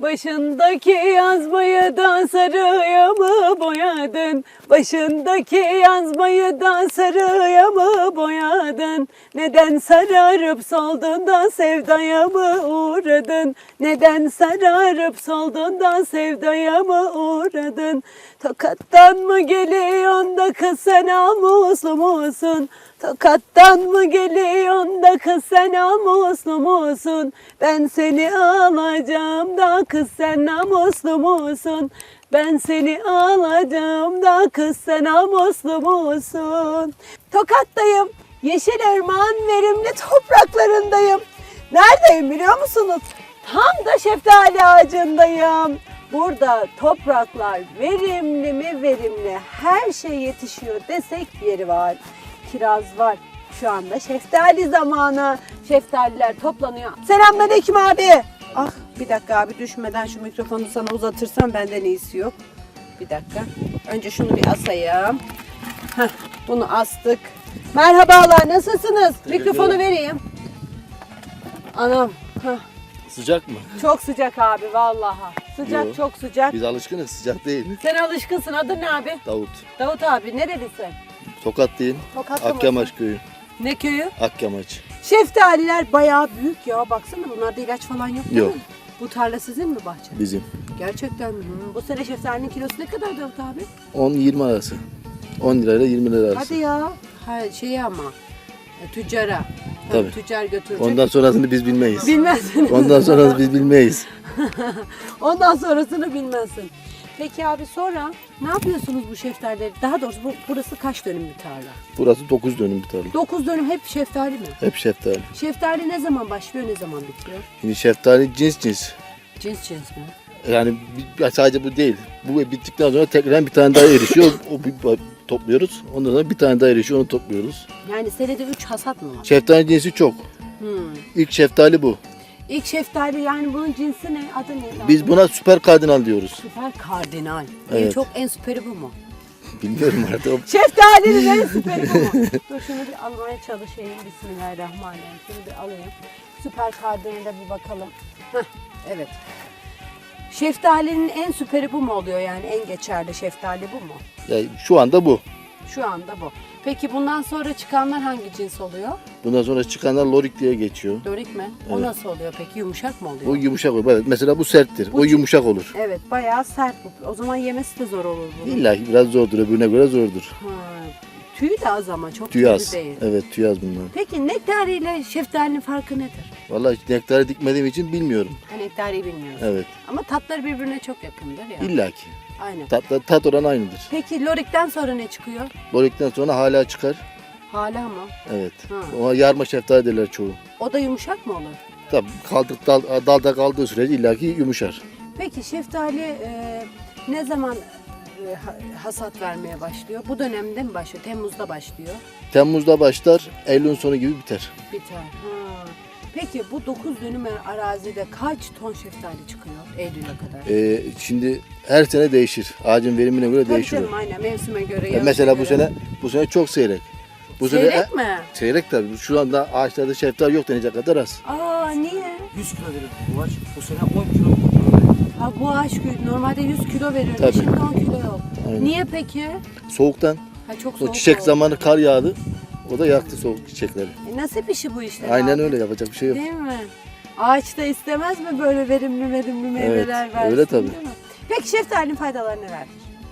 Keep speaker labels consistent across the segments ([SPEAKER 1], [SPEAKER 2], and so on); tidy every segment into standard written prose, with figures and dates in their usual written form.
[SPEAKER 1] Başındaki yazmayı da sarıya mı boyadın? Başındaki yazmayı da sarıya mı boyadın? Neden sararıp soldun da sevdaya mı uğradın? Neden sararıp soldun da sevdaya mı uğradın? Tokattan mı geliyorsun da kız sen namuslu musun? Tokattan mı geliyorsun da kız sen namuslu musun? Ben seni alacağım da kız sen namuslu musun? Ben seni alacağım da kız sen namuslu musun? Tokat'tayım. Yeşilerman verimli topraklarındayım. Neredeyim biliyor musunuz? Tam da şeftali ağacındayım. Burada topraklar verimli mi verimli, her şey yetişiyor desek yeri var. Kiraz var. Şu anda şeftali zamanı. Şeftaliler toplanıyor. Selamünaleyküm abi. Ah bir dakika abi, düşmeden şu mikrofonu sana uzatırsam benden iyisi yok. Bir dakika. Önce şunu bir asayım. Heh, bunu astık. Merhabalar, nasılsınız? Mikrofonu vereyim. Anam. Heh.
[SPEAKER 2] Sıcak mı?
[SPEAKER 1] Çok sıcak abi vallahi. Sıcak. Yo, çok sıcak.
[SPEAKER 2] Biz alışkınız, sıcak değil.
[SPEAKER 1] Sen alışkınsın. Adın ne abi?
[SPEAKER 2] Davut.
[SPEAKER 1] Davut abi, nerelisin?
[SPEAKER 2] Tokatlıyım.
[SPEAKER 1] Tokatlı
[SPEAKER 2] Akyamaç
[SPEAKER 1] mısın?
[SPEAKER 2] köyü.
[SPEAKER 1] Ne köyü?
[SPEAKER 2] Akyamaç.
[SPEAKER 1] Şeftaliler bayağı büyük ya. Baksana, bunlarda ilaç falan yok değil
[SPEAKER 2] Yok.
[SPEAKER 1] mi? Bu tarla sizin mi, bahçe?
[SPEAKER 2] Bizim.
[SPEAKER 1] Gerçekten mi? Bu sene şeftalinin kilosu ne kadar Davut abi?
[SPEAKER 2] 10-20 arası. 10 lirayla 20 lira arası.
[SPEAKER 1] Hadi ya. Ha, ama tüccara.
[SPEAKER 2] Tabii.
[SPEAKER 1] Tüccar götürecek.
[SPEAKER 2] Ondan sonrasını biz bilmeyiz.
[SPEAKER 1] Bilmezsin.
[SPEAKER 2] Ondan sonrasını biz bilmeyiz.
[SPEAKER 1] Ondan sonrasını bilmezsin. Peki abi, sonra ne yapıyorsunuz bu şeftalileri? Daha doğrusu burası kaç dönüm bir tarla?
[SPEAKER 2] Burası 9 dönüm bir tarla.
[SPEAKER 1] 9 dönüm hep şeftali mi?
[SPEAKER 2] Hep şeftali.
[SPEAKER 1] Şeftali ne zaman başlıyor, ne zaman bitiyor?
[SPEAKER 2] Şimdi şeftali cins.
[SPEAKER 1] Cins mi?
[SPEAKER 2] Yani sadece bu değil. Bu bittikten sonra tekrar bir tane daha erişiyor. Topluyoruz. Ondan sonra bir tane daha erişiyor, onu topluyoruz.
[SPEAKER 1] Yani senede 3 hasat mı var?
[SPEAKER 2] Şeftali cinsi çok. İlk şeftali bu.
[SPEAKER 1] İlk şeftali, yani bunun cinsi ne? Adı ne?
[SPEAKER 2] Biz buna süper kardinal diyoruz.
[SPEAKER 1] Süper kardinal.
[SPEAKER 2] Evet.
[SPEAKER 1] Çok en süperi bu mu?
[SPEAKER 2] Bilmiyorum artık.
[SPEAKER 1] Şeftalinin en süperi bu mu? Dur şunu bir almaya çalışayım. Bismillahirrahmanirrahim. Şunu bir alayım. Süper kardinale bir bakalım. Heh, evet. Şeftalinin en süperi bu mu oluyor, yani en geçerli şeftali bu mu?
[SPEAKER 2] Yani şu anda bu.
[SPEAKER 1] Şu anda bu. Peki bundan sonra çıkanlar hangi cins oluyor?
[SPEAKER 2] Bundan sonra çıkanlar lorik diye geçiyor.
[SPEAKER 1] Lorik mi? O
[SPEAKER 2] Evet.
[SPEAKER 1] nasıl oluyor peki? Yumuşak mı oluyor?
[SPEAKER 2] O yumuşak olur. Evet, mesela bu serttir.
[SPEAKER 1] Bu
[SPEAKER 2] O yumuşak olur.
[SPEAKER 1] Evet, bayağı sert bu. O zaman yemesi de zor olur bunun.
[SPEAKER 2] İlla ki biraz zordur. Öbürüne göre zordur.
[SPEAKER 1] Ha, tüyü de az ama çok
[SPEAKER 2] Tüy
[SPEAKER 1] tüylü
[SPEAKER 2] az.
[SPEAKER 1] değil.
[SPEAKER 2] Evet, tüy az bunlar.
[SPEAKER 1] Peki nektari ile şeftalinin farkı nedir?
[SPEAKER 2] Vallahi hiç nektarı dikmediğim için bilmiyorum.
[SPEAKER 1] Ha, nektariyi bilmiyorsun.
[SPEAKER 2] Evet.
[SPEAKER 1] Ama tatları birbirine çok yakındır ya.
[SPEAKER 2] İlla ki.
[SPEAKER 1] Aynen.
[SPEAKER 2] Tat oranı aynıdır.
[SPEAKER 1] Peki lorikten sonra ne çıkıyor?
[SPEAKER 2] Lorikten sonra hala çıkar.
[SPEAKER 1] Hala mı?
[SPEAKER 2] Evet.
[SPEAKER 1] Ha.
[SPEAKER 2] Ona yarma şeftali derler çoğu.
[SPEAKER 1] O da yumuşak mı olur?
[SPEAKER 2] Tabii dalda kaldığı sürece illaki yumuşar.
[SPEAKER 1] Peki şeftali ne zaman hasat vermeye başlıyor? Bu dönemde mi başlıyor? Temmuz'da başlıyor.
[SPEAKER 2] Temmuz'da başlar, Eylül'ün sonu gibi biter.
[SPEAKER 1] Biter. Ha. Peki bu 9 dönüm arazide kaç ton şeftali çıkıyor Eylül'e kadar?
[SPEAKER 2] Şimdi her sene değişir. Ağacın verimine göre
[SPEAKER 1] Tabii
[SPEAKER 2] değişiyor.
[SPEAKER 1] canım, aynen mevsime göre.
[SPEAKER 2] Mesela
[SPEAKER 1] göre.
[SPEAKER 2] bu sene çok seyrek. Bu
[SPEAKER 1] Seyrek mi?
[SPEAKER 2] Seyrek tabii. Şu anda ağaçlarda şeftali yok denecek kadar az.
[SPEAKER 1] Aa, niye?
[SPEAKER 3] 100 kilo verir bu ağaç. Bu sene 10 kilo veriyor.
[SPEAKER 1] Ha, bu ağaç normalde 100 kilo verirdi.
[SPEAKER 2] Tabii.
[SPEAKER 1] Şimdi 10 kilo yok.
[SPEAKER 2] Aynen.
[SPEAKER 1] Niye peki?
[SPEAKER 2] Soğuktan.
[SPEAKER 1] Ha, çok
[SPEAKER 2] O
[SPEAKER 1] soğuk
[SPEAKER 2] çiçek
[SPEAKER 1] oldu.
[SPEAKER 2] zamanı kar yağdı. O da yaktı soğuk çiçekleri.
[SPEAKER 1] Nasıl bir şey bu işte?
[SPEAKER 2] Aynen
[SPEAKER 1] abi?
[SPEAKER 2] öyle, yapacak bir şey yok.
[SPEAKER 1] Değil mi? Ağaç da istemez mi böyle verimli meyveler
[SPEAKER 2] Evet,
[SPEAKER 1] versin?
[SPEAKER 2] öyle tabii.
[SPEAKER 1] Değil mi? Peki şeftalinin faydaları nelerdir?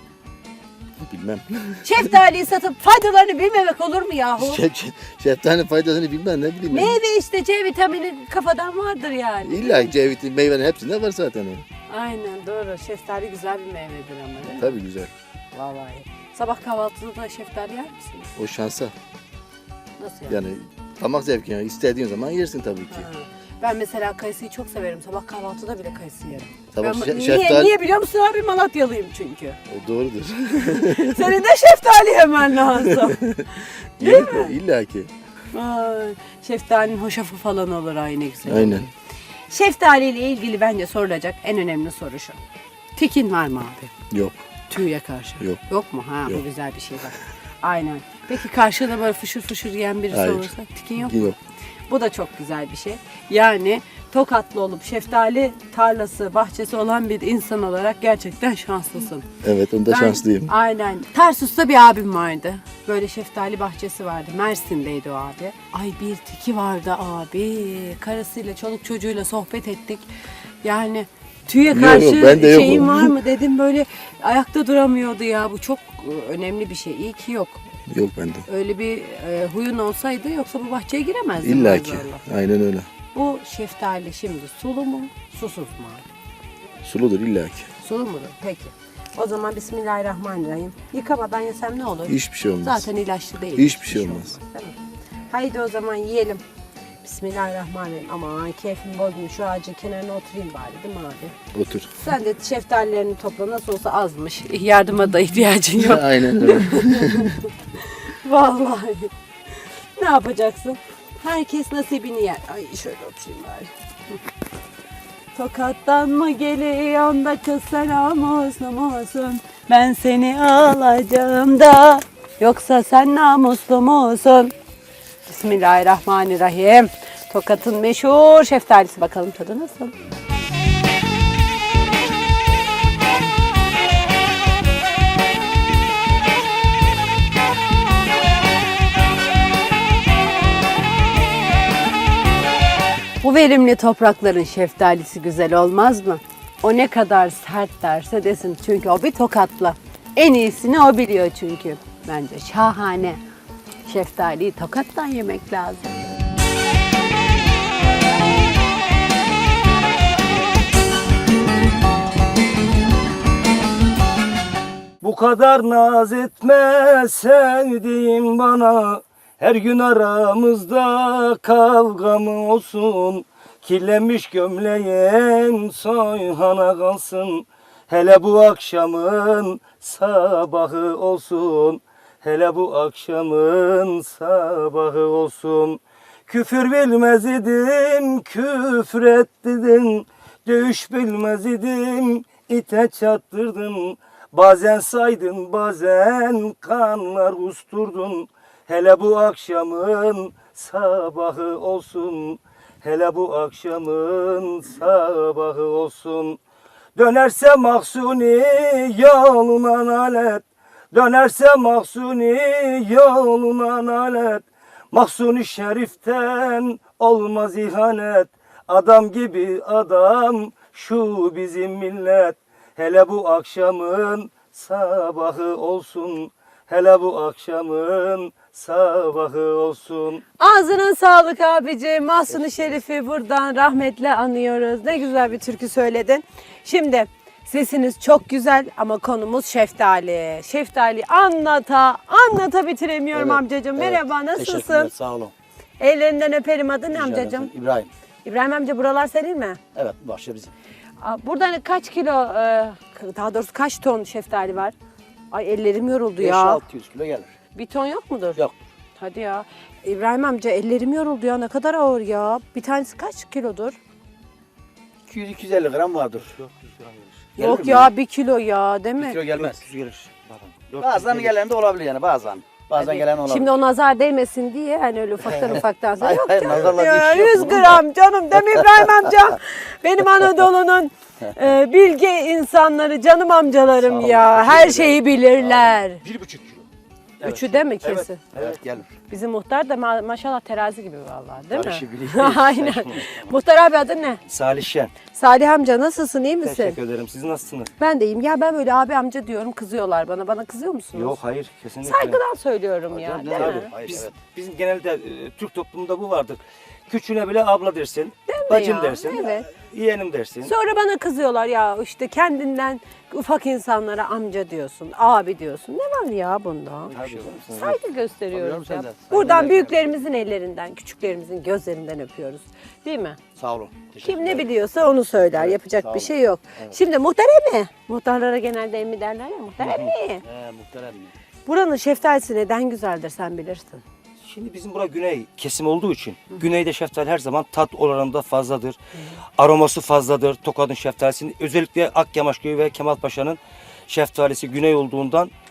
[SPEAKER 2] Bilmem.
[SPEAKER 1] Şeftaliyi satıp faydalarını bilmemek olur mu yahu?
[SPEAKER 2] Şeftalinin faydasını bilmem, ne bileyim ben.
[SPEAKER 1] Meyve işte, C vitamini kafadan vardır yani.
[SPEAKER 2] İlla C vitamini meyvenin hepsinde var zaten o.
[SPEAKER 1] Aynen, doğru. Şeftali güzel bir meyvedir ama değil mi?
[SPEAKER 2] Tabii güzel.
[SPEAKER 1] Vallahi. Sabah kahvaltıda da şeftali yer misiniz?
[SPEAKER 2] O şansa.
[SPEAKER 1] Nasıl yani?
[SPEAKER 2] Yani damak zevki, yani istediğin zaman yersin tabii ki.
[SPEAKER 1] Ha. Ben mesela kayısıyı çok severim. Sabah kahvaltıda bile kayısı yerim.
[SPEAKER 2] Sabah
[SPEAKER 1] Ben,
[SPEAKER 2] şeftali...
[SPEAKER 1] niye biliyor musun abi? Malatyalıyım çünkü.
[SPEAKER 2] O doğrudur.
[SPEAKER 1] Senin de şeftali yemen lazım. Değil mi?
[SPEAKER 2] İlla ki.
[SPEAKER 1] Ay, şeftalinin hoşafı falan olur, aynı güzel.
[SPEAKER 2] Aynen.
[SPEAKER 1] Şeftali ile ilgili bence sorulacak en önemli soru şu. Tikin var mı abi?
[SPEAKER 2] Yok.
[SPEAKER 1] Tüye karşı.
[SPEAKER 2] Yok.
[SPEAKER 1] Yok mu? Ha,
[SPEAKER 2] Yok.
[SPEAKER 1] bu güzel bir şey bak. Aynen. Peki karşıda böyle fışır fışır yiyen birisi
[SPEAKER 2] Hayır.
[SPEAKER 1] olursa tikin yok mu?
[SPEAKER 2] Yok.
[SPEAKER 1] Bu da çok güzel bir şey. Yani Tokatlı olup şeftali tarlası, bahçesi olan bir insan olarak gerçekten şanslısın.
[SPEAKER 2] Evet, onda şanslıyım.
[SPEAKER 1] Aynen. Tarsus'ta bir abim vardı. Böyle şeftali bahçesi vardı. Mersin'deydi o abi. Ay bir tiki vardı abi. Karısıyla, çoluk çocuğuyla sohbet ettik. Yani tüye karşı
[SPEAKER 2] ben de yokum.
[SPEAKER 1] şeyin var mı dedim, böyle ayakta duramıyordu ya. Bu çok önemli bir şey. İyi ki yok.
[SPEAKER 2] Yok bende.
[SPEAKER 1] Öyle bir huyun olsaydı yoksa bu bahçeye giremezdin.
[SPEAKER 2] İlla ki.
[SPEAKER 1] bazılarla.
[SPEAKER 2] Aynen öyle.
[SPEAKER 1] Bu şeftali şimdi sulu mu, susuz mu?
[SPEAKER 2] Suludur illa ki.
[SPEAKER 1] Sulu mudur? Peki. O zaman Bismillahirrahmanirrahim. Yıkamadan yesem ne olur?
[SPEAKER 2] Hiçbir şey olmaz.
[SPEAKER 1] Zaten ilaçlı değil.
[SPEAKER 2] Hiçbir şey olmaz.
[SPEAKER 1] Değil mi? Haydi o zaman yiyelim. Bismillahirrahmanirrahim. Aman keyfim bozmuş. Şu ağacın kenarına oturayım bari, değil mi abi?
[SPEAKER 2] Otur.
[SPEAKER 1] Sen de şeftalilerini topla. Nasıl olsa azmış. Yardıma da ihtiyacın yok.
[SPEAKER 2] Aynen öyle.
[SPEAKER 1] Vallahi. Ne yapacaksın? Herkes nasibini yer. Ay şöyle oturayım bari. Tokat'tan mı geliyorsun da kız selam olsun? Ben seni alacağım da yoksa sen namuslu musun? Bismillahirrahmanirrahim. Tokat'ın meşhur şeftalisi, bakalım tadı nasıl? Bu verimli toprakların şeftalisi güzel olmaz mı? O ne kadar sert derse desin, çünkü o bir Tokatlı. En iyisini o biliyor çünkü. Bence şahane. Şeftaliyi Tokat'tan yemek lazım.
[SPEAKER 3] Bu kadar naz etme sevdiğim bana. Her gün aramızda kavga mı olsun? Kirlenmiş gömleğim soyhana kalsın. Hele bu akşamın sabahı olsun. Hele bu akşamın sabahı olsun. Küfür bilmez idim, küfür ettirdin. Dövüş bilmez idim, ite çattırdın. Bazen saydın, bazen kanlar usturdun. Hele bu akşamın sabahı olsun. Hele bu akşamın sabahı olsun. Dönerse Mahsuni yoluna nalet. Dönerse Mahsuni yoluna nalet. Mahsuni Şerif'ten olmaz ihanet. Adam gibi adam şu bizim millet. Hele bu akşamın sabahı olsun. Hele bu akşamın sabahı olsun.
[SPEAKER 1] Ağzına sağlık abici. Mahsuni Şerif'i buradan rahmetle anıyoruz. Ne güzel bir türkü söyledin. Şimdi sesiniz çok güzel ama konumuz şeftali. Şeftali anlata bitiremiyorum
[SPEAKER 2] Evet,
[SPEAKER 1] amcacığım.
[SPEAKER 2] evet.
[SPEAKER 1] Merhaba,
[SPEAKER 3] Teşekkürler,
[SPEAKER 1] nasılsın?
[SPEAKER 3] sağ olun.
[SPEAKER 1] Ellerinden öperim. Adın ne
[SPEAKER 3] Rica
[SPEAKER 1] amcacığım?
[SPEAKER 3] ederim. İbrahim.
[SPEAKER 1] İbrahim amca, buralar senin mi?
[SPEAKER 3] Evet, bahçe bizim.
[SPEAKER 1] Buradan kaç kilo, daha doğrusu kaç ton şeftali var? Ay ellerim yoruldu ya.
[SPEAKER 3] 5-600 kilo gelir.
[SPEAKER 1] Bir ton yok mudur?
[SPEAKER 3] Yok.
[SPEAKER 1] Hadi ya. İbrahim amca ellerim yoruldu ya, ne kadar ağır ya. Bir tanesi kaç kilodur?
[SPEAKER 3] 200-250 gram vardır. 400 gram gelir.
[SPEAKER 1] Yok ya, 1 kilo ya değil mi?
[SPEAKER 3] 1 kilo gelmez. 400 gelir. Bazen gelen de olabilir yani bazen. Bazen gelen olabilir.
[SPEAKER 1] Şimdi o nazar değmesin diye hani öyle ufaktan sonra.
[SPEAKER 3] Hayır,
[SPEAKER 1] Yok
[SPEAKER 3] hayır,
[SPEAKER 1] canım
[SPEAKER 3] nazarla
[SPEAKER 1] ya,
[SPEAKER 3] bir şey yok
[SPEAKER 1] 100
[SPEAKER 3] bunun da.
[SPEAKER 1] gram canım değil mi İbrahim amca? Benim Anadolu'nun bilge insanları, canım amcalarım
[SPEAKER 3] Sağ olun,
[SPEAKER 1] ya.
[SPEAKER 3] teşekkür
[SPEAKER 1] Her
[SPEAKER 3] ederim.
[SPEAKER 1] şeyi bilirler.
[SPEAKER 3] 1,5 kilo.
[SPEAKER 1] Üçü de mi kesin?
[SPEAKER 3] Evet gelir.
[SPEAKER 1] Bizim muhtar da maşallah terazi gibi vallahi, değil
[SPEAKER 3] Karışı
[SPEAKER 1] mi?
[SPEAKER 3] biliyor.
[SPEAKER 1] Aynen. Muhtar abi adın ne?
[SPEAKER 3] Salih Şen.
[SPEAKER 1] Salih amca, nasılsın, iyi misin?
[SPEAKER 3] Teşekkür ederim. Siz nasılsınız?
[SPEAKER 1] Ben de iyiyim. Ya ben böyle abi amca diyorum, kızıyorlar bana. Bana kızıyor musunuz?
[SPEAKER 3] Yok hayır kesinlikle.
[SPEAKER 1] Saygıdan söylüyorum ya,
[SPEAKER 3] Tabii,
[SPEAKER 1] değil
[SPEAKER 3] tabii.
[SPEAKER 1] mi?
[SPEAKER 3] Hayır,
[SPEAKER 4] Biz,
[SPEAKER 3] evet.
[SPEAKER 4] Bizim genelde Türk toplumunda bu vardır. Küçüğüne bile abla dersin,
[SPEAKER 1] mi
[SPEAKER 4] bacım
[SPEAKER 1] ya?
[SPEAKER 4] dersin,
[SPEAKER 1] Evet.
[SPEAKER 4] yeğenim dersin.
[SPEAKER 1] Sonra bana kızıyorlar ya, işte kendinden ufak insanlara amca diyorsun, abi diyorsun. Ne var ya bunda? Saygı gösteriyoruz
[SPEAKER 3] Tabii
[SPEAKER 1] ya.
[SPEAKER 3] canım, sen de.
[SPEAKER 1] Buradan
[SPEAKER 3] Saygı
[SPEAKER 1] büyüklerimizin ellerinden, küçüklerimizin gözlerinden öpüyoruz. Değil mi?
[SPEAKER 3] Sağ olun.
[SPEAKER 1] Kim ne biliyorsa onu söyler. Yapacak
[SPEAKER 3] sağ
[SPEAKER 1] bir
[SPEAKER 3] olun.
[SPEAKER 1] şey yok. Şimdi muhtar emmi. Muhtarlara genelde emmi derler ya. Muhtar emmi.
[SPEAKER 3] Muhterem.
[SPEAKER 1] Buranın şeftalisi neden güzeldir sen bilirsin.
[SPEAKER 4] Şimdi bizim bura güney kesim olduğu için güneyde şeftali her zaman tat oranında fazladır. Aroması fazladır Tokat'ın şeftalisinin. Özellikle Akyamaç Köyü ve Kemalpaşa'nın şeftalisi güney olduğundan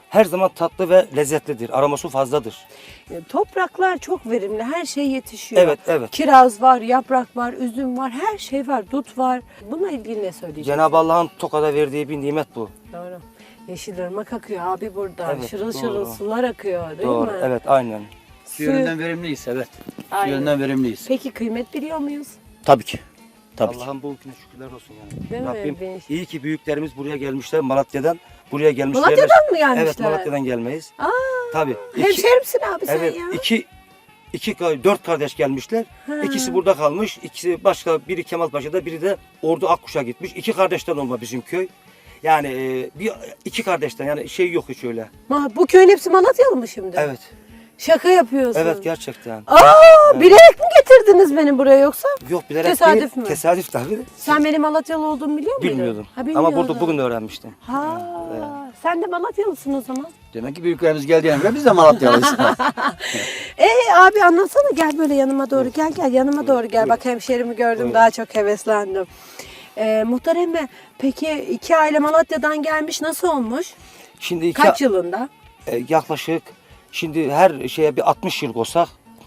[SPEAKER 4] her zaman tatlı ve lezzetlidir. Aroması fazladır.
[SPEAKER 1] Topraklar çok verimli. Her şey yetişiyor.
[SPEAKER 4] Evet, evet.
[SPEAKER 1] Kiraz var, yaprak var, üzüm var, her şey var, dut var. Bununla ilgili ne söyleyeceksin?
[SPEAKER 4] Cenab-ı Allah'ın Tokat'a verdiği bir nimet bu.
[SPEAKER 1] Doğru. Yeşilırmak akıyor abi burada.
[SPEAKER 4] Evet,
[SPEAKER 1] şırıl
[SPEAKER 4] doğru.
[SPEAKER 1] şırıl sular akıyor değil
[SPEAKER 4] Doğru.
[SPEAKER 1] mi?
[SPEAKER 4] Evet, aynen.
[SPEAKER 3] Su yönünden verimliyiz, evet. Su
[SPEAKER 1] Aynen.
[SPEAKER 3] yönünden verimliyiz.
[SPEAKER 1] Peki kıymet biliyor muyuz?
[SPEAKER 3] Tabii ki. Tabii ki.
[SPEAKER 4] Allah'ın bu ülküne şükürler olsun yani.
[SPEAKER 1] Değil mi?
[SPEAKER 4] Rabbim
[SPEAKER 1] Ben-
[SPEAKER 4] iyi ki büyüklerimiz buraya gelmişler. Malatya'dan buraya gelmişler.
[SPEAKER 1] Malatya'dan mı gelmişler?
[SPEAKER 4] Evet, Malatya'dan gelmeyiz.
[SPEAKER 1] Aa,
[SPEAKER 4] Tabii.
[SPEAKER 1] hemşerimsin abi sen
[SPEAKER 4] Evet,
[SPEAKER 1] ya.
[SPEAKER 4] dört kardeş gelmişler.
[SPEAKER 1] Ha.
[SPEAKER 4] İkisi burada kalmış. İkisi başka, biri Kemalpaşa'da, biri de Ordu Akkuş'a gitmiş. 2 kardeşten olma bizim köy. Yani iki kardeşten, yani şey yok hiç öyle.
[SPEAKER 1] Bu köyün hepsi Malatyalı mı şimdi?
[SPEAKER 4] Evet.
[SPEAKER 1] Şaka yapıyorsun.
[SPEAKER 4] Evet, gerçekten.
[SPEAKER 1] Bilerek mi getirdiniz beni buraya yoksa?
[SPEAKER 4] Yok, bilerek
[SPEAKER 1] Tesadüf
[SPEAKER 4] değil.
[SPEAKER 1] mü?
[SPEAKER 4] Tesadüf tabii.
[SPEAKER 1] Sen benim Malatyalı olduğumu biliyor muydun?
[SPEAKER 4] Bilmiyordum.
[SPEAKER 1] Ha,
[SPEAKER 4] Ama
[SPEAKER 1] bilmiyordun.
[SPEAKER 4] burada bugün öğrenmiştim.
[SPEAKER 1] Ha, sen de Malatyalısın o zaman.
[SPEAKER 3] Demek ki büyüklerimiz geldiğine göre biz de Malatyalıyız.
[SPEAKER 1] Abi anlatsana, gel böyle yanıma doğru gel yanıma doğru gel. Bak hemşerimi gördüm, daha çok heveslendim. Muhtar emmi, peki 2 aile Malatya'dan gelmiş, nasıl olmuş?
[SPEAKER 4] Şimdi
[SPEAKER 1] Kaç yılında?
[SPEAKER 4] yaklaşık şimdi her şeye bir 60 yıl olsak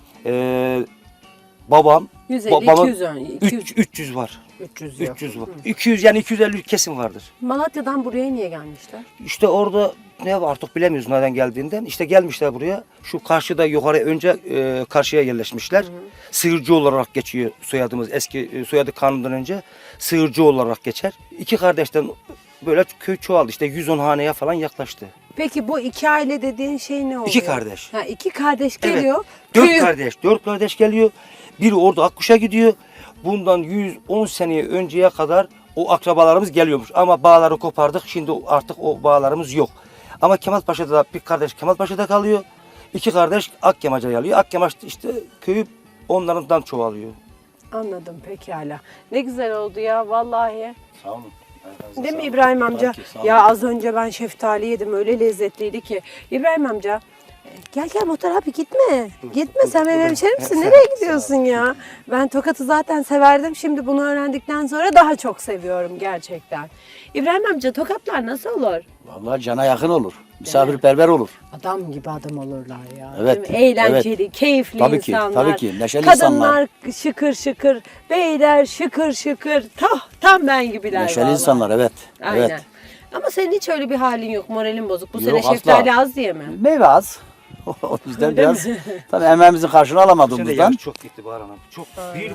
[SPEAKER 4] babam
[SPEAKER 1] 150,
[SPEAKER 4] babamın
[SPEAKER 1] 200,
[SPEAKER 4] 300 var.
[SPEAKER 1] 300 yok.
[SPEAKER 4] 300 var. 200 yani 250 kesin vardır.
[SPEAKER 1] Malatya'dan buraya niye gelmişler?
[SPEAKER 4] İşte orada ne var artık bilemiyoruz nereden geldiğinden. İşte gelmişler buraya. Şu karşıda yukarı önce karşıya yerleşmişler. Sığırcı olarak geçiyor soyadımız. Eski soyadı kanundan önce Sığırcı olarak geçer. 2 kardeşten böyle köy çoğaldı. İşte 110 haneye falan yaklaştı.
[SPEAKER 1] Peki bu 2 aile dediğin şey ne oluyor?
[SPEAKER 4] 2 kardeş.
[SPEAKER 1] Ha, 2 kardeş
[SPEAKER 4] Evet.
[SPEAKER 1] geliyor.
[SPEAKER 4] 4 kardeş geliyor. Biri orada Akkuş'a gidiyor. Bundan 110 seneye önceye kadar o akrabalarımız geliyormuş. Ama bağları kopardık. Şimdi artık o bağlarımız yok. Ama Kemalpaşa'da da bir kardeş Kemalpaşa'da kalıyor. 2 kardeş Akyamaca'ya alıyor. Akyamaç işte köyü onlardan çoğalıyor.
[SPEAKER 1] Anladım, pekala. Ne güzel oldu ya vallahi.
[SPEAKER 3] Sağ olun.
[SPEAKER 1] Değil mi İbrahim amca?
[SPEAKER 3] Tabii ki, sağ olun.
[SPEAKER 1] Ya az önce ben şeftali yedim, öyle lezzetliydi ki. İbrahim amca, gel Muhtar abi, gitme. Gitme, sen benim hemşerimsin. Nereye gidiyorsun ya? Ben Tokat'ı zaten severdim. Şimdi bunu öğrendikten sonra daha çok seviyorum gerçekten. İbrahim amca, Tokatlar nasıl olur?
[SPEAKER 3] Vallahi cana yakın olur. Misafirperver olur.
[SPEAKER 1] Adam gibi adam olurlar ya.
[SPEAKER 3] Evet,
[SPEAKER 1] Değil mi? Eğlenceli, keyifli
[SPEAKER 3] Tabii ki,
[SPEAKER 1] insanlar.
[SPEAKER 3] tabii ki. Neşeli
[SPEAKER 1] Kadınlar şıkır şıkır, beyler şıkır şıkır. Tam ben gibiler
[SPEAKER 3] Neşeli
[SPEAKER 1] vallahi.
[SPEAKER 3] insanlar, evet.
[SPEAKER 1] Aynen.
[SPEAKER 3] Evet.
[SPEAKER 1] Ama senin hiç öyle bir halin yok, moralin bozuk. Bu
[SPEAKER 3] Yok,
[SPEAKER 1] sene
[SPEAKER 3] asla.
[SPEAKER 1] şeftali az diye mi?
[SPEAKER 3] Meyve az. O yüzden
[SPEAKER 1] Öyle
[SPEAKER 3] biraz
[SPEAKER 1] mi?
[SPEAKER 3] tabii emeğimizin karşılığını
[SPEAKER 4] Şimdi
[SPEAKER 3] alamadığımızdan.
[SPEAKER 4] yağış çok gitti Bahar Hanım. Çok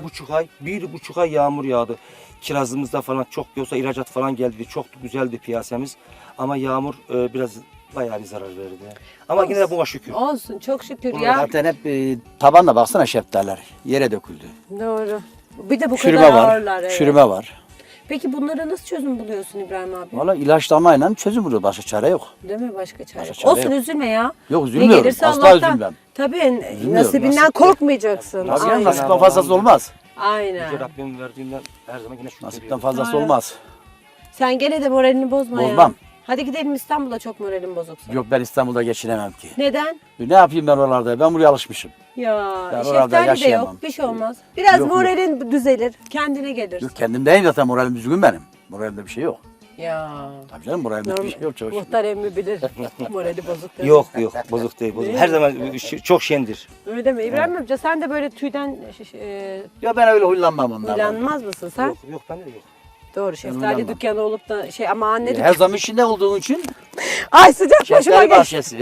[SPEAKER 4] 1,5 ay yağmur yağdı. Kirazımızda falan çok yoksa ihracat falan geldi. Çok güzeldi piyasamız. Ama yağmur biraz bayağı bir zarar verdi. Ama yine de buna şükür.
[SPEAKER 1] Olsun, çok şükür ya.
[SPEAKER 3] Zaten hep tabanla baksana şeftaliler. Yere döküldü.
[SPEAKER 1] Doğru. Bir de bu
[SPEAKER 3] Çürüme
[SPEAKER 1] kadar
[SPEAKER 3] var.
[SPEAKER 1] ağırlar. Evet.
[SPEAKER 3] Çürüme var.
[SPEAKER 1] Peki bunlara nasıl çözüm buluyorsun İbrahim abi?
[SPEAKER 3] Valla ilaçlamayla çözüm buluyor. Başka çare yok.
[SPEAKER 1] Değil mi? Başka çare
[SPEAKER 3] Başka
[SPEAKER 1] yok.
[SPEAKER 3] çare
[SPEAKER 1] Olsun,
[SPEAKER 3] yok.
[SPEAKER 1] üzülme ya.
[SPEAKER 3] Yok,
[SPEAKER 1] Ne
[SPEAKER 3] üzülmüyorum.
[SPEAKER 1] gelirse
[SPEAKER 3] Asla
[SPEAKER 1] Allah'tan.
[SPEAKER 3] üzülmem.
[SPEAKER 1] Tabii
[SPEAKER 3] Üzülmüyorum.
[SPEAKER 1] nasibinden
[SPEAKER 3] Nasip-
[SPEAKER 1] korkmayacaksın.
[SPEAKER 3] Tabii
[SPEAKER 1] Aynen.
[SPEAKER 3] nasipten fazlası olmaz.
[SPEAKER 1] Aynen.
[SPEAKER 4] Rabbim verdiğinden her zaman yine şükür
[SPEAKER 3] Nasipten fazlası
[SPEAKER 1] Aynen.
[SPEAKER 3] olmaz.
[SPEAKER 1] Sen gene de moralini bozma ya.
[SPEAKER 3] Bozmam.
[SPEAKER 1] Hadi gidelim İstanbul'a, çok moralin bozuksa.
[SPEAKER 3] Yok, ben İstanbul'da geçinemem ki.
[SPEAKER 1] Neden?
[SPEAKER 3] Ne yapayım ben oralarda? Ben buraya alışmışım.
[SPEAKER 1] Ya
[SPEAKER 3] Ben orada
[SPEAKER 1] şeftali de
[SPEAKER 3] yaşayamam.
[SPEAKER 1] yok, bir şey olmaz. Biraz
[SPEAKER 3] Yok, yok.
[SPEAKER 1] moralin düzelir, kendine gelir.
[SPEAKER 3] Yok, kendimdeyim zaten, moralim düzgün benim. Moralimde bir şey yok.
[SPEAKER 1] Ya.
[SPEAKER 3] Tabii canım, moralimde bir şey yok. Çok şükür.
[SPEAKER 1] Muhtar emmi bilir. Morali bozuk. değil mi?
[SPEAKER 4] Yok bozuk değil. Bozuk.
[SPEAKER 1] Değil
[SPEAKER 4] Her
[SPEAKER 1] mi?
[SPEAKER 4] zaman çok şendir.
[SPEAKER 1] Öyle mi? İbrahim amca, sen de böyle tüyden
[SPEAKER 3] Ya ben öyle huylanmam onlardan.
[SPEAKER 1] huylanmaz mısın sen?
[SPEAKER 4] Yok ben de yok.
[SPEAKER 1] Doğru, şeftali
[SPEAKER 3] huylanmam.
[SPEAKER 1] dükkanı olup da ama anne
[SPEAKER 3] Her
[SPEAKER 1] dükkanı.
[SPEAKER 3] zaman içinde olduğun için
[SPEAKER 1] Ay, sıcak başıma
[SPEAKER 3] şeftali
[SPEAKER 1] geç.
[SPEAKER 3] bahçesi.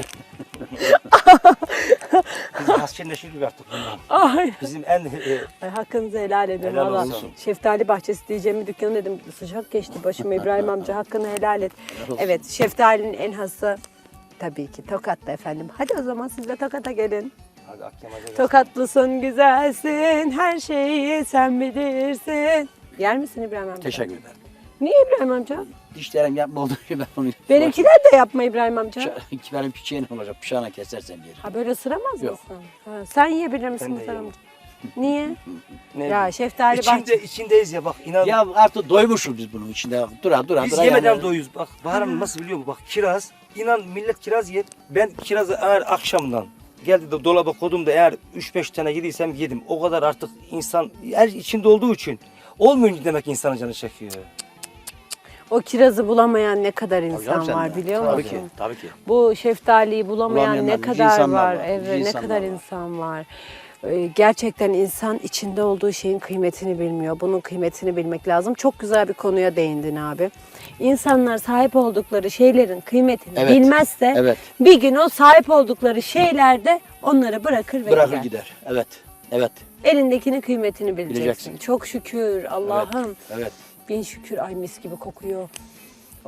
[SPEAKER 4] Biz hasçenleşirdik artık bundan.
[SPEAKER 1] Ay.
[SPEAKER 4] Bizim en
[SPEAKER 1] Ay, hakkınızı helal edin
[SPEAKER 4] Helal
[SPEAKER 1] valla.
[SPEAKER 4] olsun.
[SPEAKER 1] Şeftali bahçesi diyeceğimi dükkanı dedim. Sıcak geçti başıma İbrahim amca, hakkını helal et. Evet, şeftalinin en hası tabii ki Tokat'ta efendim. Hadi o zaman siz de Tokat'a gelin.
[SPEAKER 4] Hadi Akyamac'a gel.
[SPEAKER 1] Tokatlısın, güzelsin, her şeyi sen bilirsin. Yer misin İbrahim amca?
[SPEAKER 3] Teşekkür ederim.
[SPEAKER 1] Niye İbrahim amca?
[SPEAKER 3] Dişlerim yapma olduğu için ben onu...
[SPEAKER 1] Benimkiler de yapma İbrahim amca.
[SPEAKER 3] Benim piçeğim olacak, bıçağına kesersen yerim.
[SPEAKER 1] Ha, böyle ısıramaz
[SPEAKER 3] Yok.
[SPEAKER 1] mısın? Ha, sen yiyebilir misin
[SPEAKER 4] Ben de
[SPEAKER 1] Muhtar
[SPEAKER 4] yerim.
[SPEAKER 1] amca? Niye?
[SPEAKER 4] Ne
[SPEAKER 1] Ya şeftali
[SPEAKER 4] içindeyiz ya bak inan.
[SPEAKER 3] Ya artık doymuşuz biz bunun içinde. Dura
[SPEAKER 4] Biz yemeden doyuyoruz. Bak Bahar Hanım nasıl biliyor musun? Bak kiraz. İnan millet kiraz yer. Ben kirazı eğer akşamdan geldi de dolaba koydum da eğer 3-5 tane yediysem yedim. O kadar artık insan her içinde olduğu için olmuyor demek insanın canı çekiyor.
[SPEAKER 1] O kirazı bulamayan ne kadar
[SPEAKER 3] Tabii
[SPEAKER 1] insan
[SPEAKER 3] canım sen
[SPEAKER 1] var
[SPEAKER 3] de.
[SPEAKER 1] biliyor
[SPEAKER 3] Tabii
[SPEAKER 1] musun?
[SPEAKER 3] ki, tabii ki.
[SPEAKER 1] Bu şeftaliyi bulamayan
[SPEAKER 3] Bulamayanlar,
[SPEAKER 1] ne
[SPEAKER 3] yüce
[SPEAKER 1] kadar
[SPEAKER 3] insanlar
[SPEAKER 1] var.
[SPEAKER 3] var,
[SPEAKER 1] Evet,
[SPEAKER 3] yüce
[SPEAKER 1] ne
[SPEAKER 3] insanlar
[SPEAKER 1] kadar
[SPEAKER 3] var.
[SPEAKER 1] insan var. Gerçekten insan içinde olduğu şeyin kıymetini bilmiyor. Bunun kıymetini bilmek lazım. Çok güzel bir konuya değindin abi. İnsanlar sahip oldukları şeylerin kıymetini
[SPEAKER 3] Evet,
[SPEAKER 1] bilmezse
[SPEAKER 3] evet.
[SPEAKER 1] bir gün o sahip oldukları şeylerde onları bırakır ve
[SPEAKER 3] Bırakır
[SPEAKER 1] gider.
[SPEAKER 3] gider. Evet. Evet.
[SPEAKER 1] Elindekinin kıymetini bileceksin.
[SPEAKER 3] Bileceksin.
[SPEAKER 1] Çok şükür Allah'ım.
[SPEAKER 3] Evet.
[SPEAKER 1] Bin şükür, ay mis gibi kokuyor. Oh.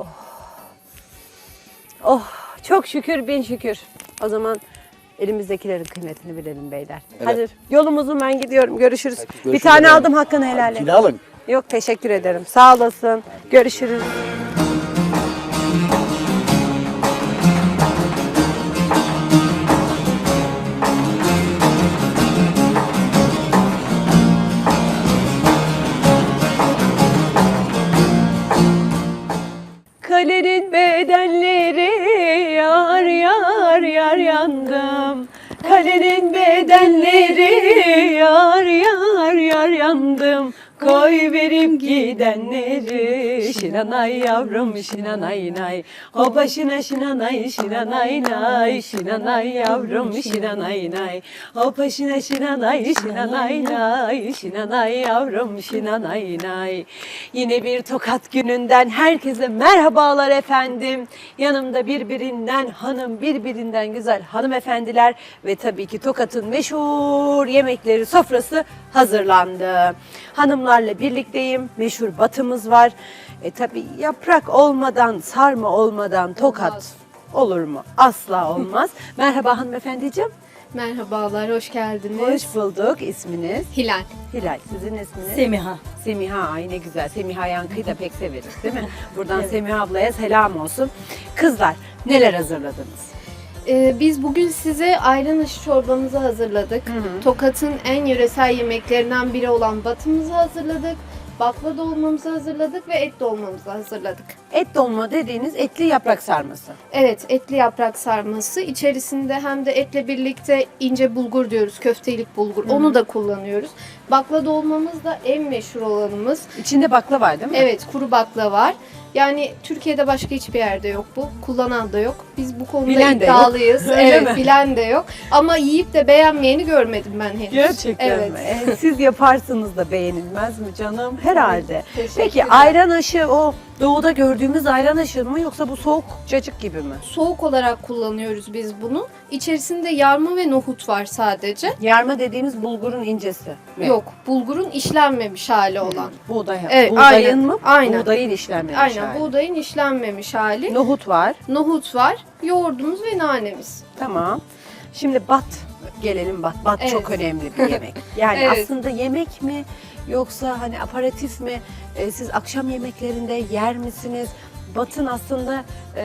[SPEAKER 1] Oh, çok şükür, bin şükür. O zaman elimizdekilerin kıymetini bilelim beyler.
[SPEAKER 3] Evet.
[SPEAKER 1] Hadi yolumuzun ben gidiyorum. Görüşürüz.
[SPEAKER 3] Peki,
[SPEAKER 1] Bir
[SPEAKER 3] görüşürüz
[SPEAKER 1] tane
[SPEAKER 3] efendim.
[SPEAKER 1] aldım, hakkını helal et.
[SPEAKER 3] Kilo alın.
[SPEAKER 1] Yok, teşekkür ederim. Sağ olasın. Görüşürüz. Kalenin bedenleri yar yar yar yandım. Kalenin bedenleri yar yar yar yandım. Koy verip gidenleri şinanay yavrum şinanay nay. Hopa şina şinanay şinanay nay. Şinanay yavrum şinanay nay. Hopa şina şinanay şinanay nay. Şinanay yavrum şinanay nay. Yine bir Tokat gününden herkese merhabalar efendim. Yanımda birbirinden hanım, birbirinden güzel hanımefendiler ve tabii ki Tokat'ın meşhur yemekleri sofrası hazırlandı. Hanımlarla birlikteyim. Meşhur batımız var. Tabii yaprak olmadan, sarma olmadan Tokat olur mu? Asla olmaz. Merhaba hanımefendiciğim.
[SPEAKER 5] Merhabalar, hoş geldiniz.
[SPEAKER 1] Hoş bulduk. İsminiz?
[SPEAKER 5] Hilal.
[SPEAKER 1] Hilal. Sizin isminiz?
[SPEAKER 6] Semiha.
[SPEAKER 1] Semiha. Ay ne güzel. Semiha Yankı'yı da pek severiz değil mi? Buradan Semiha ablaya selam olsun. Kızlar neler hazırladınız?
[SPEAKER 5] Biz bugün size ayran aşı çorbamızı hazırladık. Tokat'ın en yöresel yemeklerinden biri olan batımızı hazırladık. Bakla dolmamızı hazırladık ve et dolmamızı hazırladık.
[SPEAKER 1] Et dolma dediğiniz etli yaprak sarması.
[SPEAKER 5] Evet, etli yaprak sarması. İçerisinde hem de etle birlikte ince bulgur diyoruz, köftelik bulgur. Onu da kullanıyoruz. Bakla dolmamız da en meşhur olanımız.
[SPEAKER 1] İçinde bakla var değil mi?
[SPEAKER 5] Evet, kuru bakla var. Yani Türkiye'de başka hiçbir yerde yok bu. Kullanan da yok. Biz bu konuda
[SPEAKER 1] Bilen de yok.
[SPEAKER 5] iddialıyız.
[SPEAKER 1] Öyle
[SPEAKER 5] Evet,
[SPEAKER 1] mi?
[SPEAKER 5] bilen de yok. Ama yiyip de beğenmeyeni görmedim ben henüz.
[SPEAKER 1] Gerçekten
[SPEAKER 5] Evet.
[SPEAKER 1] mi? Siz yaparsınız da beğenilmez mi canım? Herhalde.
[SPEAKER 5] Teşekkürler.
[SPEAKER 1] Peki ayran aşı o doğuda gördüğümüz ayran aşı mı yoksa bu soğuk cacık gibi mi?
[SPEAKER 5] Soğuk olarak kullanıyoruz biz bunu. İçerisinde yarma ve nohut var sadece.
[SPEAKER 1] Yarma dediğimiz bulgurun incesi mi?
[SPEAKER 5] Yok, bulgurun işlenmemiş hali olan.
[SPEAKER 1] Buğday.
[SPEAKER 5] Evet,
[SPEAKER 1] Buğdayın
[SPEAKER 5] aynen,
[SPEAKER 1] mı?
[SPEAKER 5] aynen.
[SPEAKER 1] Buğdayın işlenmemiş
[SPEAKER 5] Aynen,
[SPEAKER 1] hali.
[SPEAKER 5] buğdayın işlenmemiş hali.
[SPEAKER 1] Nohut var.
[SPEAKER 5] Nohut var, yoğurdumuz ve nanemiz.
[SPEAKER 1] Tamam. Şimdi gelelim bat. Bat
[SPEAKER 5] Evet.
[SPEAKER 1] çok önemli bir yemek. Yani
[SPEAKER 5] Evet.
[SPEAKER 1] aslında yemek mi yoksa hani aparatif mi? Siz akşam yemeklerinde yer misiniz? Batın aslında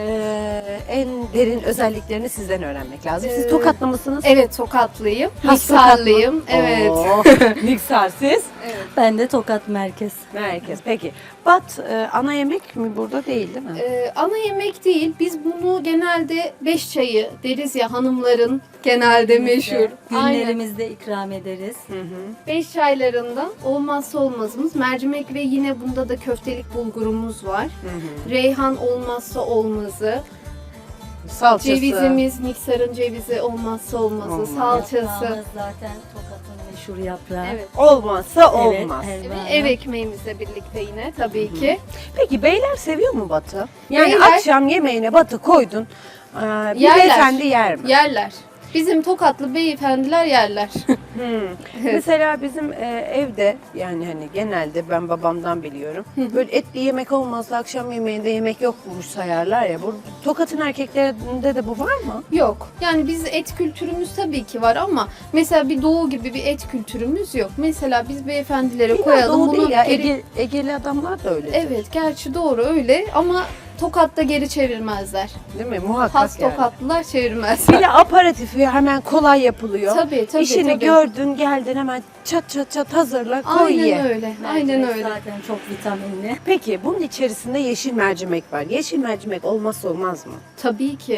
[SPEAKER 1] en derin özelliklerini sizden öğrenmek lazım. Siz Tokatlı mısınız?
[SPEAKER 5] Evet, Tokatlıyım.
[SPEAKER 1] Has Tokat mı?
[SPEAKER 5] Niksarlıyım. Evet.
[SPEAKER 1] Oo, Niksar siz?
[SPEAKER 6] Ben de Tokat Merkez.
[SPEAKER 1] Merkez. Peki. Bat ana yemek mi burada değil değil mi?
[SPEAKER 5] Ana yemek değil. Biz bunu genelde beş çayı deriz ya hanımların genelde meşhur. Aynen.
[SPEAKER 6] Günlerimizde ikram ederiz.
[SPEAKER 5] Beş çaylarından olmazsa olmazımız mercimek ve yine bunda da köftelik bulgurumuz var. Reyhan olmazsa olmazı.
[SPEAKER 1] Salçası.
[SPEAKER 5] Cevizimiz, Niksar'ın cevizi olmazsa olmazı. Salçası.
[SPEAKER 6] Yaprağımız zaten Tokat'ın meşhur yaprağı.
[SPEAKER 5] Evet.
[SPEAKER 1] Olmazsa
[SPEAKER 6] Evet,
[SPEAKER 1] olmaz.
[SPEAKER 6] helva.
[SPEAKER 5] Ev ekmeğimizle birlikte yine tabii ki.
[SPEAKER 1] Peki beyler seviyor mu batı? Yani
[SPEAKER 5] Beyler-
[SPEAKER 1] akşam yemeğine batı koydun. Bir
[SPEAKER 5] Yerler.
[SPEAKER 1] beyefendi yer mi?
[SPEAKER 5] Yerler. Bizim Tokatlı beyefendiler yerler.
[SPEAKER 1] Mesela bizim evde yani hani genelde ben babamdan biliyorum. Böyle etli yemek olmazsa akşam yemeğinde yemek yokmuş sayarlar ya. Bu Tokat'ın erkeklerinde de bu var mı?
[SPEAKER 5] Yok. Yani biz et kültürümüz tabii ki var ama mesela bir doğu gibi bir et kültürümüz yok. Mesela biz beyefendilere
[SPEAKER 1] İlla
[SPEAKER 5] koyalım
[SPEAKER 1] Doğu
[SPEAKER 5] bunu.
[SPEAKER 1] değil ya.
[SPEAKER 5] geri-
[SPEAKER 1] Egeli adamlar da öyle.
[SPEAKER 5] Evet, gerçi doğru öyle ama Tokat'ta geri çevirmezler.
[SPEAKER 1] Değil mi? Muhakkak
[SPEAKER 5] Has
[SPEAKER 1] yani.
[SPEAKER 5] Tokatlılar
[SPEAKER 1] Bir
[SPEAKER 5] çevirmezler.
[SPEAKER 1] de aperatifi hemen kolay yapılıyor.
[SPEAKER 5] Tabii tabii.
[SPEAKER 1] İşini
[SPEAKER 5] tabii.
[SPEAKER 1] gördün geldin hemen çat çat çat hazırla koy
[SPEAKER 5] Aynen
[SPEAKER 1] ye.
[SPEAKER 5] öyle. Aynen
[SPEAKER 6] Mercimek
[SPEAKER 5] öyle.
[SPEAKER 6] zaten çok vitaminli.
[SPEAKER 1] Peki bunun içerisinde yeşil mercimek var. Yeşil mercimek olmazsa olmaz mı?
[SPEAKER 5] Tabii ki.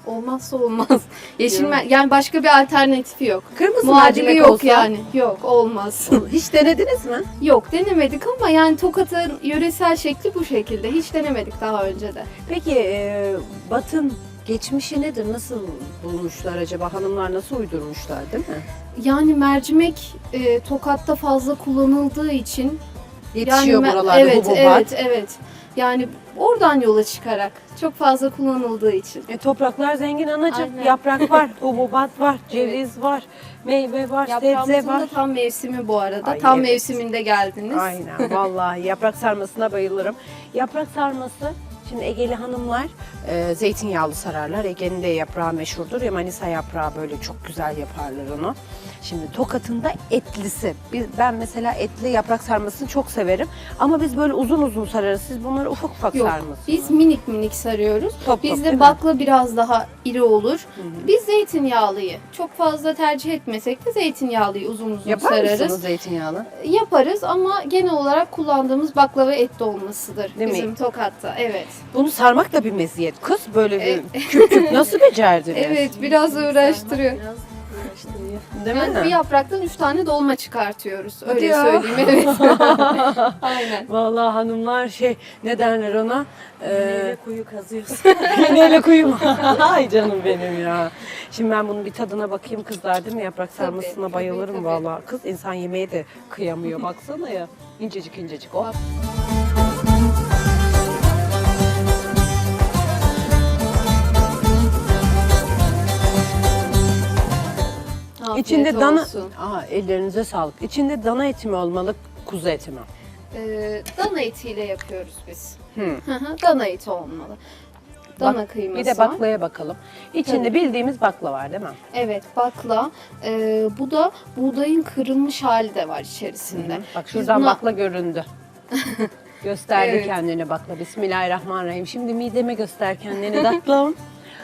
[SPEAKER 5] Olmazsa olmaz. Yani başka bir alternatifi yok.
[SPEAKER 1] Kırmızı
[SPEAKER 5] Muadili
[SPEAKER 1] mercimek
[SPEAKER 5] yok
[SPEAKER 1] olsa?
[SPEAKER 5] yani. Yok, olmaz.
[SPEAKER 1] Hiç denediniz mi?
[SPEAKER 5] Yok, denemedik ama yani Tokat'ın yöresel şekli bu şekilde. Hiç denemedik daha önce de.
[SPEAKER 1] Peki Bat'ın geçmişi nedir? Nasıl bulmuşlar acaba? Hanımlar nasıl uydurmuşlar, değil mi?
[SPEAKER 5] Yani mercimek Tokat'ta fazla kullanıldığı için
[SPEAKER 1] Yetişiyor
[SPEAKER 5] yani,
[SPEAKER 1] buralarda
[SPEAKER 5] evet,
[SPEAKER 1] hububat.
[SPEAKER 5] evet. Yani oradan yola çıkarak çok fazla kullanıldığı için.
[SPEAKER 1] Topraklar zengin anacığım.
[SPEAKER 5] Aynen.
[SPEAKER 1] Yaprak var, hububat var, ceviz var, meyve var, sebze
[SPEAKER 5] Yaprağımızın
[SPEAKER 1] var.
[SPEAKER 5] da tam mevsimi bu arada.
[SPEAKER 1] Ay,
[SPEAKER 5] tam
[SPEAKER 1] evet.
[SPEAKER 5] mevsiminde geldiniz.
[SPEAKER 1] Aynen vallahi yaprak sarmasına bayılırım. Yaprak sarması, şimdi Egeli hanımlar zeytinyağlı sararlar. Ege'nin de yaprağı meşhurdur ya, Manisa yaprağı böyle çok güzel yaparlar onu. Şimdi Tokat'ın da etlisi. Ben mesela etli yaprak sarmasını çok severim. Ama biz böyle uzun uzun sararız. Siz bunları ufak ufak
[SPEAKER 5] Yok,
[SPEAKER 1] sarmasınız.
[SPEAKER 5] biz minik minik sarıyoruz.
[SPEAKER 1] Top top, değil
[SPEAKER 5] Bizde
[SPEAKER 1] mi?
[SPEAKER 5] bakla biraz daha iri olur. Biz zeytinyağlıyı çok fazla tercih etmesek de zeytinyağlıyı uzun uzun
[SPEAKER 1] Yapar
[SPEAKER 5] sararız.
[SPEAKER 1] mısınız zeytinyağlı?
[SPEAKER 5] Yaparız ama genel olarak kullandığımız baklava et dolmasıdır
[SPEAKER 1] Değil mi?
[SPEAKER 5] bizim Tokat'ta. Evet.
[SPEAKER 1] Bunu sarmak da bir meziyet. Kız böyle bir küp küp nasıl becerdiniz?
[SPEAKER 5] Evet, biraz uğraştırıyor.
[SPEAKER 6] Biraz uğraştırıyor.
[SPEAKER 1] Değil
[SPEAKER 5] Yani bir
[SPEAKER 1] mi?
[SPEAKER 5] yapraktan 3 tane dolma çıkartıyoruz.
[SPEAKER 1] Hadi
[SPEAKER 5] Öyle
[SPEAKER 1] ya.
[SPEAKER 5] söyleyeyim, evet. Aynen.
[SPEAKER 1] Vallahi hanımlar ne derler ona?
[SPEAKER 6] Neyle kuyu kazıyorsun.
[SPEAKER 1] Neyle kuyum? Ay canım benim ya. Şimdi ben bunun bir tadına bakayım kızlar, değil mi? Yaprak sarmasına
[SPEAKER 5] tabii,
[SPEAKER 1] bayılırım
[SPEAKER 5] tabii.
[SPEAKER 1] vallahi. Kız insan yemeğe de kıyamıyor. Baksana ya. İncecik incecik o.
[SPEAKER 5] Bak. Afiyet
[SPEAKER 1] İçinde dana...
[SPEAKER 5] olsun.
[SPEAKER 1] Ellerinize sağlık. İçinde dana eti mi olmalı, kuzu eti mi?
[SPEAKER 5] Dana etiyle yapıyoruz biz.
[SPEAKER 1] Hı.
[SPEAKER 5] Hı hı, dana eti olmalı. Dana kıyması
[SPEAKER 1] Bir de
[SPEAKER 5] var.
[SPEAKER 1] baklaya bakalım. İçinde bildiğimiz bakla var değil mi?
[SPEAKER 5] Evet, bakla. Bu da buğdayın kırılmış hali de var içerisinde.
[SPEAKER 1] Bak
[SPEAKER 5] Biz
[SPEAKER 1] şuradan
[SPEAKER 5] buna-
[SPEAKER 1] bakla göründü. Gösterdi
[SPEAKER 5] Evet.
[SPEAKER 1] kendini bakla. Bismillahirrahmanirrahim. Şimdi mideme göster kendini tatlım.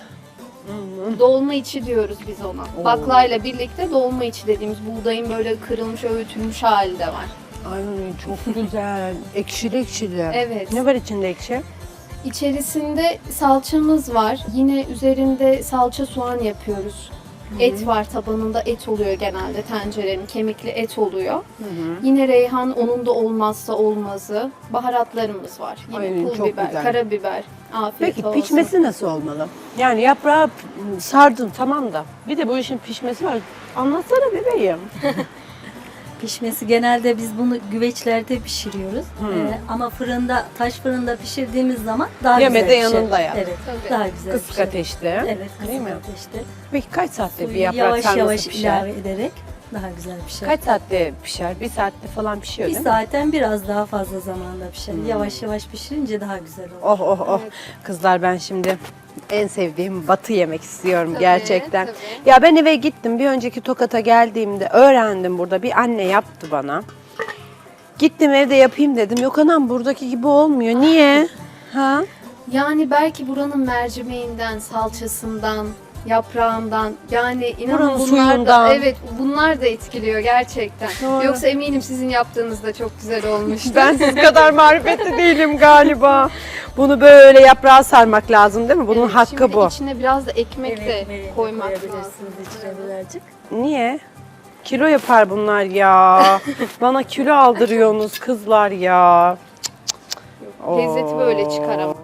[SPEAKER 5] Dolma içi diyoruz biz ona. Baklayla birlikte dolma içi dediğimiz buğdayın böyle kırılmış, öğütülmüş hali de var.
[SPEAKER 1] Ay çok güzel. Ekşili ekşili.
[SPEAKER 5] Evet.
[SPEAKER 1] Ne var içinde ekşi?
[SPEAKER 5] İçerisinde salçamız var. Yine üzerinde salça soğan yapıyoruz. Et var, tabanında et oluyor genelde tencerenin. Kemikli et oluyor. Yine reyhan onun da olmazsa olmazı. Baharatlarımız var. Yine
[SPEAKER 1] Ay,
[SPEAKER 5] pul
[SPEAKER 1] çok
[SPEAKER 5] biber,
[SPEAKER 1] güzel.
[SPEAKER 5] karabiber. Afiyet
[SPEAKER 1] Peki
[SPEAKER 5] olsun.
[SPEAKER 1] pişmesi nasıl olmalı? Yani yaprağı sardın tamam da. Bir de bu işin pişmesi var. Anlatsana bebeğim.
[SPEAKER 6] Pişmesi genelde biz bunu güveçlerde pişiriyoruz. Ama fırında, taş fırında pişirdiğimiz zaman daha
[SPEAKER 1] Yeme
[SPEAKER 6] güzel
[SPEAKER 1] de
[SPEAKER 6] pişer.
[SPEAKER 1] yanında yap.
[SPEAKER 6] Evet,
[SPEAKER 5] Tabii.
[SPEAKER 6] daha güzel
[SPEAKER 1] Kısık
[SPEAKER 6] pişer.
[SPEAKER 1] ateşte.
[SPEAKER 6] Evet,
[SPEAKER 1] Değil mi?
[SPEAKER 6] kısık ateşte.
[SPEAKER 1] Peki kaç saatte bir
[SPEAKER 6] Suyu
[SPEAKER 1] yaprak
[SPEAKER 6] yavaş
[SPEAKER 1] sarması
[SPEAKER 6] yavaş
[SPEAKER 1] pişer?
[SPEAKER 6] ilave ederek daha güzel pişer.
[SPEAKER 1] Kaç saatte pişer? Bir saatte falan pişiyor
[SPEAKER 6] Bir
[SPEAKER 1] değil mi?
[SPEAKER 6] saatten biraz daha fazla zamanda pişer. Yavaş yavaş pişirince daha güzel olur.
[SPEAKER 1] Oh oh oh.
[SPEAKER 5] Evet.
[SPEAKER 1] Kızlar ben şimdi en sevdiğim batı yemek istiyorum
[SPEAKER 5] Tabii,
[SPEAKER 1] gerçekten.
[SPEAKER 5] tabii.
[SPEAKER 1] Ya ben eve gittim. Bir önceki Tokat'a geldiğimde öğrendim, burada bir anne yaptı bana. Gittim evde yapayım dedim. Yok anam buradaki gibi olmuyor. Niye? Ha?
[SPEAKER 5] Yani belki buranın mercimeğinden, salçasından, yaprağından, yani inanın
[SPEAKER 1] Buranın
[SPEAKER 5] bunlar da,
[SPEAKER 1] suyundan.
[SPEAKER 5] evet, bunlar da etkiliyor gerçekten.
[SPEAKER 1] Doğru.
[SPEAKER 5] Yoksa eminim sizin yaptığınız da çok güzel olmuştu.
[SPEAKER 1] Ben siz kadar marifetli değilim galiba. Bunu böyle yaprağa sarmak lazım değil mi? Bunun
[SPEAKER 5] Evet,
[SPEAKER 1] hakkı
[SPEAKER 5] şimdi
[SPEAKER 1] bu.
[SPEAKER 5] içine biraz da ekmek de
[SPEAKER 6] ekmeği
[SPEAKER 5] koymak lazım.
[SPEAKER 6] koyabilirsiniz içine birazcık.
[SPEAKER 1] Niye? Kilo yapar bunlar ya. Bana kilo aldırıyorsunuz kızlar ya.
[SPEAKER 5] Lezzeti böyle çıkar ama.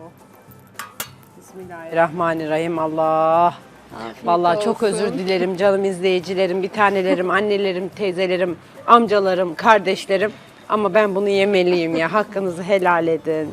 [SPEAKER 1] Bismillahirrahmanirrahim. Allah.
[SPEAKER 5] Afiyet
[SPEAKER 1] Vallahi çok
[SPEAKER 5] olsun.
[SPEAKER 1] özür dilerim canım izleyicilerim, bir tanelerim, annelerim, teyzelerim, amcalarım, kardeşlerim. Ama ben bunu yemeliyim ya. Hakkınızı helal edin.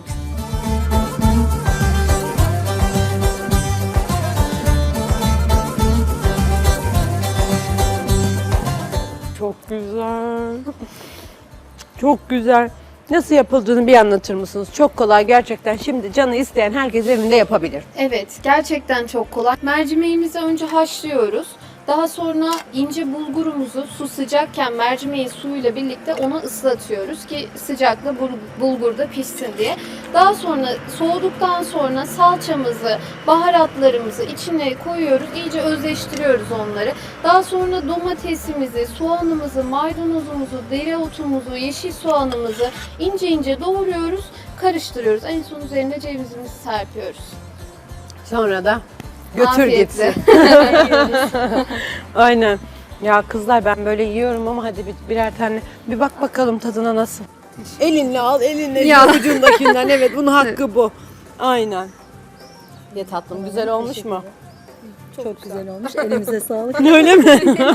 [SPEAKER 1] Çok güzel. Çok güzel. Nasıl yapıldığını bir anlatır mısınız? Çok kolay gerçekten. Şimdi canı isteyen herkes evinde yapabilir.
[SPEAKER 5] Evet, gerçekten çok kolay. Mercimeğimizi önce haşlıyoruz. Daha sonra ince bulgurumuzu su sıcakken mercimeğin suyuyla birlikte ona ıslatıyoruz ki sıcakla bulgur da pişsin diye. Daha sonra soğuduktan sonra salçamızı, baharatlarımızı içine koyuyoruz. İyice özleştiriyoruz onları. Daha sonra domatesimizi, soğanımızı, maydanozumuzu, dereotumuzu, yeşil soğanımızı ince ince doğruyoruz, karıştırıyoruz. En son üzerine cevizimizi serpiyoruz.
[SPEAKER 1] Sonra da Götür
[SPEAKER 5] Afiyetle.
[SPEAKER 1] gitsin. Aynen. Ya kızlar ben böyle yiyorum ama hadi birer tane bir bak bakalım tadına nasıl. Elinle al, elinle
[SPEAKER 5] Ya.
[SPEAKER 1] ucundakinden. Evet, bunun hakkı bu. Aynen. Ye tatlım, güzel olmuş mu?
[SPEAKER 6] Çok güzel olmuş. Elimize sağlık.
[SPEAKER 1] Öyle mi?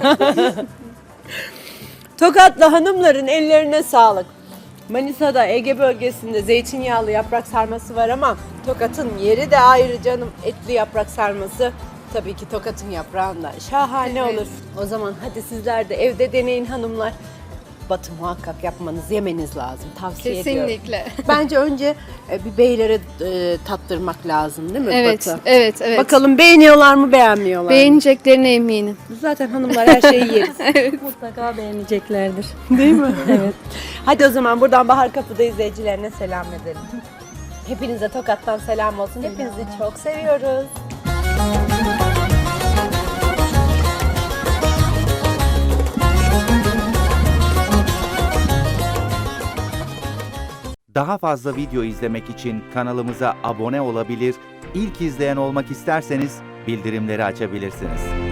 [SPEAKER 1] Tokatlı hanımların ellerine sağlık. Manisa'da, Ege bölgesinde zeytinyağlı yaprak sarması var ama Tokat'ın yeri de ayrı canım. Etli yaprak sarması tabii ki Tokat'ın yaprağında. Şahane
[SPEAKER 5] Evet.
[SPEAKER 1] olur. O zaman hadi sizler de evde deneyin hanımlar. Batı muhakkak yapmanız, yemeniz lazım. Tavsiye ediyorum.
[SPEAKER 5] Kesinlikle.
[SPEAKER 1] Bence önce bir beylere tattırmak lazım değil mi
[SPEAKER 5] Evet,
[SPEAKER 1] Batı?
[SPEAKER 5] evet.
[SPEAKER 1] Bakalım beğeniyorlar mı, beğenmiyorlar mı?
[SPEAKER 5] Beğeneceklerine eminim.
[SPEAKER 1] Zaten hanımlar her şeyi yeriz.
[SPEAKER 6] Mutlaka beğeneceklerdir.
[SPEAKER 1] Değil mi?
[SPEAKER 6] Evet.
[SPEAKER 1] Hadi o zaman buradan Bahar Kapı'da izleyicilerine selam edelim. Hepinize Tokat'tan selam olsun. Hepinizi çok seviyoruz.
[SPEAKER 7] Daha fazla video izlemek için kanalımıza abone olabilir, ilk izleyen olmak isterseniz bildirimleri açabilirsiniz.